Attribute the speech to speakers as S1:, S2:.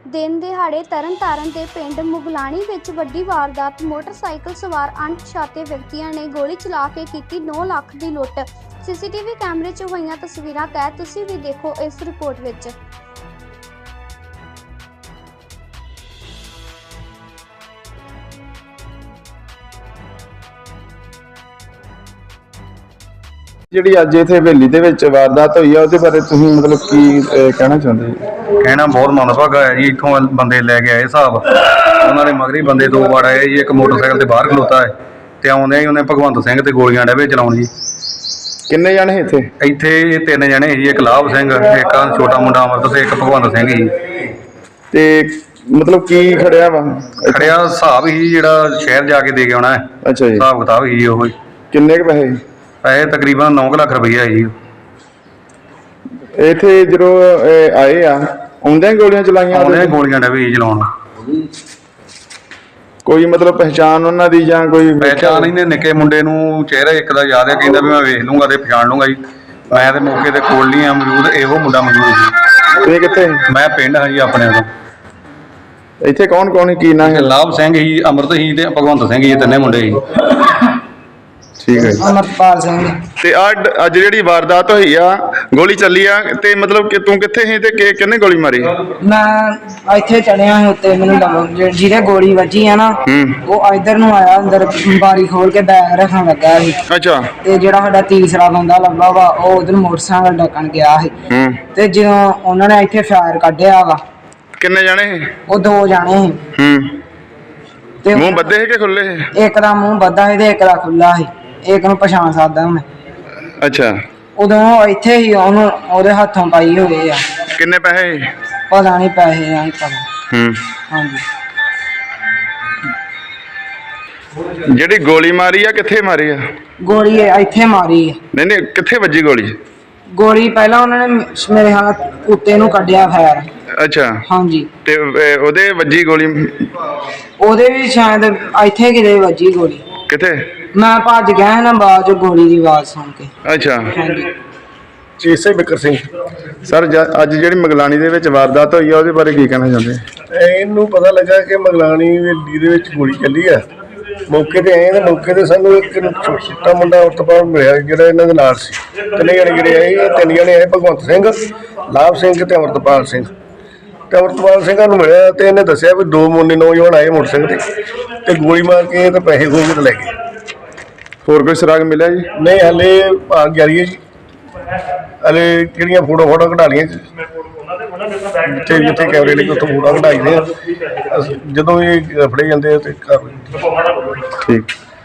S1: ਦਿਨ ਦਿਹਾੜੇ ਤਰਨਤਾਰਨ ਦੇ ਪਿੰਡ ਮੁਗਲਾਣੀ ਵਿੱਚ ਵੱਡੀ ਵਾਰਦਾਤ। ਮੋਟਰਸਾਈਕਲ ਸਵਾਰ ਅਣਪਛਾਤੇ ਵਿਅਕਤੀਆਂ ਨੇ ਗੋਲੀ ਚਲਾ ਕੇ ਕੀਤੀ 9 ਲੱਖ ਦੀ ਲੁੱਟ। ਸੀਸੀਟੀਵੀ ਕੈਮਰੇ 'ਚ ਹੋਈਆਂ ਤਸਵੀਰਾਂ ਕੈਦ ਤੁਸੀਂ ਵੀ ਦੇਖੋ ਇਸ ਰਿਪੋਰਟ ਵਿੱਚ।
S2: ਜਿਹੜੀ ਅੱਜ ਇੱਥੇ ਹਵੇਲੀ ਦੇ ਵਿੱਚ ਵਾਰਦਾਤ ਹੋਈ ਆ ਉਹਦੇ ਬਾਰੇ ਤੁਸੀਂ ਮਤਲਬ ਕੀ ਕਹਿਣਾ ਚਾਹੁੰਦੇ ਜੀ?
S3: ਕਹਿਣਾ ਬਹੁਤ ਮੰਦਭਾਗਾ ਹੈ ਜੀ। ਇੱਥੋਂ ਬੰਦੇ ਲੈ ਕੇ ਆਏ ਹਿਸਾਬ, ਉਹਨਾਂ ਦੇ ਮਗਰੀ ਬੰਦੇ 2 ਵਾਰ ਆਏ ਜੀ। ਇੱਕ ਮੋਟਰਸਾਈਕਲ ਤੇ ਬਾਹਰ ਖਲੋਤਾ ਹੈ ਤੇ ਆਉਂਦੇ ਹੀ ਉਹਨੇ ਭਗਵੰਤ ਸਿੰਘ ਤੇ ਗੋਲੀਆਂ ਡੇਵੇ ਚਲਾਉਣ ਜੀ।
S2: ਕਿੰਨੇ ਜਾਣੇ ਇੱਥੇ
S3: ਇੱਥੇ 3 ਜਣੇ ਸੀ, ਇੱਕ ਲਾਭ ਸਿੰਘ, ਇੱਕ ਛੋਟਾ ਮੁੰਡਾ ਅਮਰਤ ਤੇ ਇੱਕ ਭਗਵੰਤ ਸਿੰਘ ਜੀ।
S2: ਤੇ ਮਤਲਬ ਕੀ ਖੜਿਆ ਵਾ?
S3: ਖੜਿਆ ਹਿਸਾਬ ਹੀ ਜਿਹੜਾ ਸ਼ਹਿਰ ਜਾ ਕੇ ਦੇ ਕੇ ਆਉਣਾ ਹੈ।
S2: ਅੱਛਾ ਜੀ।
S3: ਹਿਸਾਬ ਕਿਤਾਬ ਹੀ ਉਹ
S2: ਕਿੰਨੇ ਕੁ ਪੈਸੇ?
S3: ਪੈਸੇ ਤਕਰੀਬਨ 9 ਲੱਖ ਰੁਪਈਆ ਹੈ ਜੀ।
S2: ਇੱਥੇ ਜਦੋਂ ਆਏ ਆ ਆਉਂਦਿਆਂ ਗੋਲੀਆਂ ਚਲਾਈਆਂ?
S3: ਆਉਂਦੇ ਗੋਲੀਆਂ ਡੇਵੇ ਹੀ ਚਲਾਉਣ।
S2: ਕੋਈ ਮਤਲਬ ਪਹਿਚਾਣ ਉਹਨਾਂ ਦੀ ਜਾਂ ਕੋਈ
S3: ਪਹਿਚਾਣ ਇਹਨੇ ਨਿੱਕੇ ਮੁੰਡੇ ਨੂੰ ਚਿਹਰਾ ਇੱਕ ਦਾ ਯਾਦ ਹੈ, ਕਹਿੰਦਾ ਵੀ ਮੈਂ ਵੇਖ ਲੂੰਗਾ ਤੇ ਪਛਾਣ ਲੂੰਗਾ ਜੀ। ਮੈਂ ਤੇ ਮੌਕੇ ਤੇ ਕੋਲ ਨਹੀਂ ਆ ਮੌਜੂਦ, ਇਹੋ ਮੁੰਡਾ ਮੌਜੂਦ ਜੀ।
S2: ਇਹ ਕਿੱਥੇ?
S3: ਮੈਂ ਪਿੰਡ ਹਾਂ ਜੀ ਆਪਣੇ ਤੋਂ।
S2: ਇੱਥੇ ਕੌਣ ਕੌਣ ਕੀ ਨਾਂ ਹੈ?
S3: ਲਾਭ ਸਿੰਘ ਹੀ, ਅਮਰਤ ਹੀ ਤੇ ਭਗਵੰਤ ਸਿੰਘ ਜੀ, 3 ਮੁੰਡੇ ਸੀ।
S2: ਠੀਕ ਹੈ ਜੀ।
S4: ਅਮਰਪਾਲ ਸਿੰਘ।
S2: ਤੇ ਅੱਜ ਜਿਹੜੀ ਵਾਰਦਾਤ ਹੋਈ ਆ, ਗੋਲੀ ਚੱਲੀ ਆ, ਤੇ ਮਤਲਬ ਕਿ ਤੂੰ ਕਿੱਥੇ ਸੀ ਤੇ ਕਿਹਨੇ ਗੋਲੀ ਮਾਰੀ?
S4: ਮੈਂ ਇੱਥੇ ਚੜਿਆ ਸੀ ਉੱਤੇ, ਮੈਨੂੰ ਜਿਹਦੇ ਗੋਲੀ ਵੱਜੀ ਆ ਨਾ ਉਹ ਇੱਧਰ ਨੂੰ ਆਇਆ, ਅੰਦਰ ਬਾਰੀ ਖੋਲ ਕੇ ਬੈਗ ਰੱਖਣ ਲੱਗਾ ਸੀ।
S2: ਅੱਛਾ।
S4: ਤੇ ਜਿਹੜਾ ਸਾਡਾ ਤੀਸਰਾ ਬੰਦਾ ਲੱਭਾ ਵਾ ਉਹ ਉਧਰ ਮੋਟਰਸਾਈਕਲ ਡੱਕਣ ਗਿਆ ਸੀ। ਤੇ ਜਦੋਂ ਉਹਨਾਂ ਨੇ ਇੱਥੇ ਫਾਇਰ ਕੱਢਿਆ ਵਾ।
S2: ਕਿੰਨੇ ਜਾਣੇ ਸੀ?
S4: ਉਹ 2 ਜਾਣੇ ਸੀ। ਤੇ
S2: ਮੂੰਹ ਬੱਧੇ ਸੀ ਕਿ ਖੁੱਲੇ ਸੀ?
S4: ਇੱਕ ਦਾ ਮੂੰਹ ਬੱਧਾ ਸੀ ਤੇ ਇੱਕ ਦਾ ਖੁੱਲਾ ਸੀ। ਇੱਕ ਨੂੰ ਪਛਾਣ ਸਕਦਾ ਮੈਂ।
S2: ਅੱਛਾ।
S4: ਉਦੋਂ ਇੱਥੇ ਹੀ ਉਹਨੂੰ ਉਹਦੇ ਹੱਥੋਂ ਪਾਈ ਹੋਏ ਆ।
S2: ਕਿੰਨੇ ਪੈਸੇ?
S4: ਪਤਾ ਨਹੀਂ, ਪੈਸੇ ਨਹੀਂ ਪਤਾ। ਹਾਂਜੀ।
S2: ਜਿਹੜੀ ਗੋਲੀ ਮਾਰੀ ਆ ਕਿੱਥੇ ਮਾਰੀ ਆ?
S4: ਗੋਲੀ ਇੱਥੇ ਮਾਰੀ ਆ।
S2: ਨਹੀਂ ਨਹੀਂ, ਕਿੱਥੇ ਵੱਜੀ ਗੋਲੀ?
S4: ਗੋਲੀ ਪਹਿਲਾਂ ਉਹਨਾਂ ਨੇ ਮੇਰੇ ਹੱਥ ਕੁੱਤੇ ਨੂੰ ਕੱਢਿਆ ਫੈਰ।
S2: ਅੱਛਾ।
S4: ਹਾਂਜੀ।
S2: ਤੇ ਉਹਦੇ ਵੱਜੀ ਗੋਲੀ?
S4: ਉਹਦੇ ਵੀ ਸ਼ਾਇਦ ਇੱਥੇ ਕਿਤੇ ਵੱਜੀ ਗੋਲੀ।
S2: ਕਿੱਥੇ?
S4: ਮੈਂ ਭੱਜ ਗਿਆ ਨਾ ਬਾਅਦ ਚ ਗੋਲੀ ਦੀ ਆਵਾਜ਼ ਸੁਣ ਕੇ।
S2: ਅੱਛਾ।
S4: ਹਾਂਜੀ।
S2: ਇਸੇ ਬਿਕਰ ਸਿੰਘ ਸਰ, ਅੱਜ ਜਿਹੜੀ ਮਗਲਾਣੀ ਦੇ ਵਿੱਚ ਵਾਰਦਾਤ ਹੋਈ ਆ ਉਹਦੇ ਬਾਰੇ ਕੀ ਕਹਿਣਾ ਚਾਹੁੰਦੇ?
S5: ਇਹਨੂੰ ਪਤਾ ਲੱਗਾ ਕਿ ਮਗਲਾਣੀ ਹਵੇਲੀ ਦੇ ਵਿੱਚ ਗੋਲੀ ਚੱਲੀ ਆ। ਮੌਕੇ ਤੇ ਆਏ ਤੇ ਮੌਕੇ ਤੇ ਸਾਨੂੰ ਇੱਕ ਛੋਟਾ ਮੁੰਡਾ ਉਤਪਾਦ ਮਿਲਿਆ ਜਿਹੜਾ ਇਹਨਾਂ ਦੇ ਨਾਲ ਸੀ। 3 ਜਣੇ ਜਿਹੜੇ ਆਏ, 3 ਜਣੇ ਆਏ, ਭਗਵੰਤ ਸਿੰਘ, ਲਾਭ ਸਿੰਘ ਤੇ ਅਮਰਤਪਾਲ ਸਿੰਘ। ਤੇ ਅਮਰਤਪਾਲ ਸਿੰਘਾਂ ਨੂੰ ਮਿਲਿਆ ਤੇ ਇਹਨੇ ਦੱਸਿਆ ਵੀ 2 ਮੁੰਡੇ ਨੌਜਵਾਨ ਆਏ ਮੋਟਰਸਾਈਕਲ ਤੇ ਗੋਲੀ ਮਾਰ ਕੇ ਤੇ ਪੈਸੇ ਖੋਹ ਕੇ ਲੈ ਗਏ।
S2: ਹੋਰ ਕੋਈ ਸੁਰਾਗ ਮਿਲਿਆ ਜੀ?
S5: ਨਹੀਂ, ਹਲੇ ਭਾਗ ਜਾਰੀ ਹੈ ਜੀ। ਹਲੇ ਜਿਹੜੀਆਂ ਫੋਟੋ ਕਢਾ ਲਈਆਂ ਜਿੱਥੇ ਜਿੱਥੇ ਕੈਮਰੇ ਲੱਗੇ ਉੱਥੋਂ ਫੋਟੋ ਕਢਾਈ ਦੇ ਆ। ਜਦੋਂ ਇਹ ਫੜੇ ਜਾਂਦੇ ਆ ਤੇ ਕਰ
S2: ਠੀਕ।